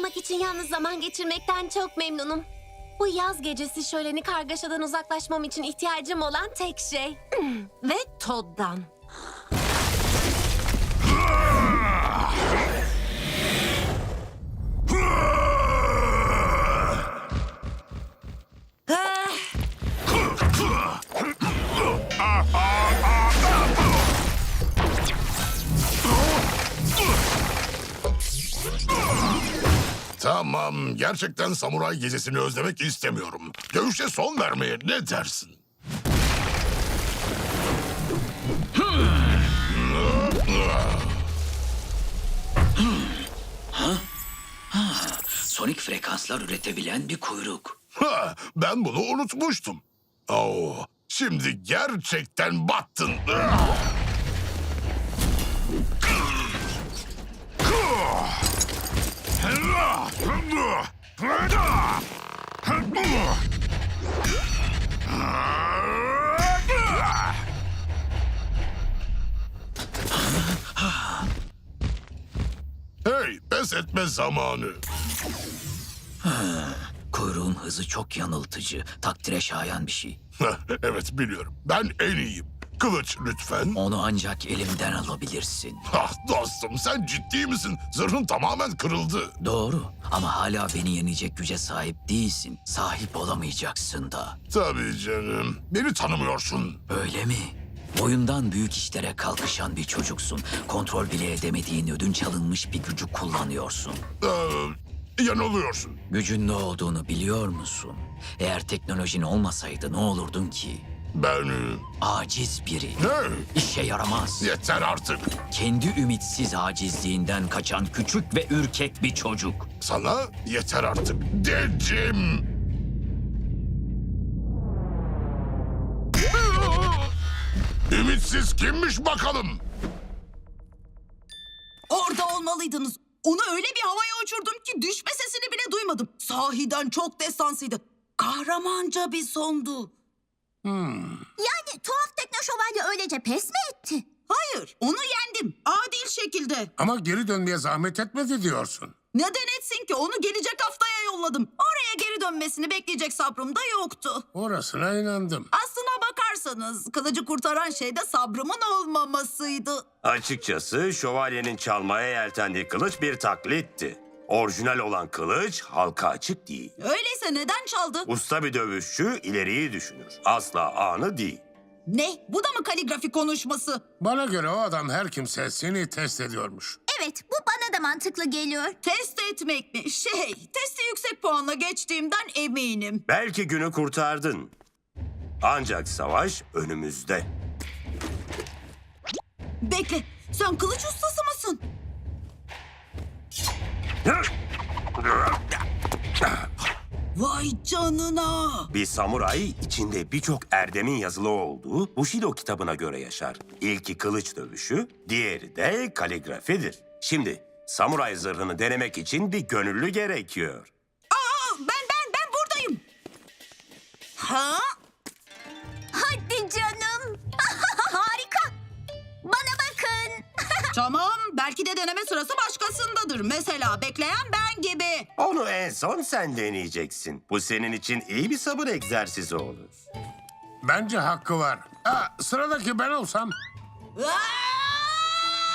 olmak için yalnız zaman geçirmekten çok memnunum. Bu yaz gecesi şöleni kargaşadan uzaklaşmam için ihtiyacım olan tek şey. Ve Todd'dan. Tamam, gerçekten samuray gecesini özlemek istemiyorum. Dövüşe son vermeye ne dersin? Sonik frekanslar üretebilen bir kuyruk. Ha, ben bunu unutmuştum. Oo, şimdi gerçekten battın. Hey, pes etme zamanı. Kuyruğun hızı çok yanıltıcı, takdire şayan bir şey. Evet, biliyorum. Ben en iyiyim. Kılıç lütfen. Onu ancak elimden alabilirsin. Ah dostum, sen ciddi misin? Zırhın tamamen kırıldı. Doğru ama hala beni yenecek güce sahip değilsin. Sahip olamayacaksın da. Tabii canım. Beni tanımıyorsun. Öyle mi? Boyundan büyük işlere kalkışan bir çocuksun. Kontrol bile edemediğin ödünç alınmış bir gücü kullanıyorsun. Yanılıyorsun. Gücün ne olduğunu biliyor musun? Eğer teknolojin olmasaydı ne olurdun ki? Ben... Aciz biri. Ne? İşe yaramaz. Yeter artık. Kendi ümitsiz acizliğinden kaçan küçük ve ürkek bir çocuk. Sana yeter artık dedim. Ümitsiz kimmiş bakalım? Orada olmalıydınız. Onu öyle bir havaya uçurdum ki düşme sesini bile duymadım. Sahiden çok destansıydı. Kahramanca bir sondu. Yani tuhaf tekno şövalye öylece pes mi etti? Hayır, onu yendim. Adil şekilde. Ama geri dönmeye zahmet etmedi diyorsun. Neden etsin ki? Onu gelecek haftaya yolladım. Oraya geri dönmesini bekleyecek sabrım da yoktu. Orasına inandım. Aslına bakarsanız kılıcı kurtaran şey de sabrımın olmamasıydı. Açıkçası şövalyenin çalmaya yeltendiği kılıç bir taklitti. Orijinal olan kılıç halka açık değil. Öyleyse neden çaldı? Usta bir dövüşçü ileriyi düşünür. Asla anı değil. Ne? Bu da mı kaligrafi konuşması? Bana göre o adam her kimse seni test ediyormuş. Evet, bu bana da mantıklı geliyor. Test etmek mi? Testi yüksek puanla geçtiğimden eminim. Belki günü kurtardın. Ancak savaş önümüzde. Bekle, sen kılıç ustası mısın? Vay canına! Bir samuray içinde birçok erdemin yazılı olduğu Bushido kitabına göre yaşar. İlki kılıç dövüşü, diğeri de kaligrafidir. Şimdi samuray zırhını denemek için bir gönüllü gerekiyor. Ben buradayım. Ha? Hadi canım. Harika. Bana bakın. Tamam, belki de deneme sırası başkasındadır. Mesela bekleyen ben gibi. Onu en son sen deneyeceksin. Bu senin için iyi bir sabır egzersizi olur. Bence hakkı var. Sıradaki ben olsam. Aa!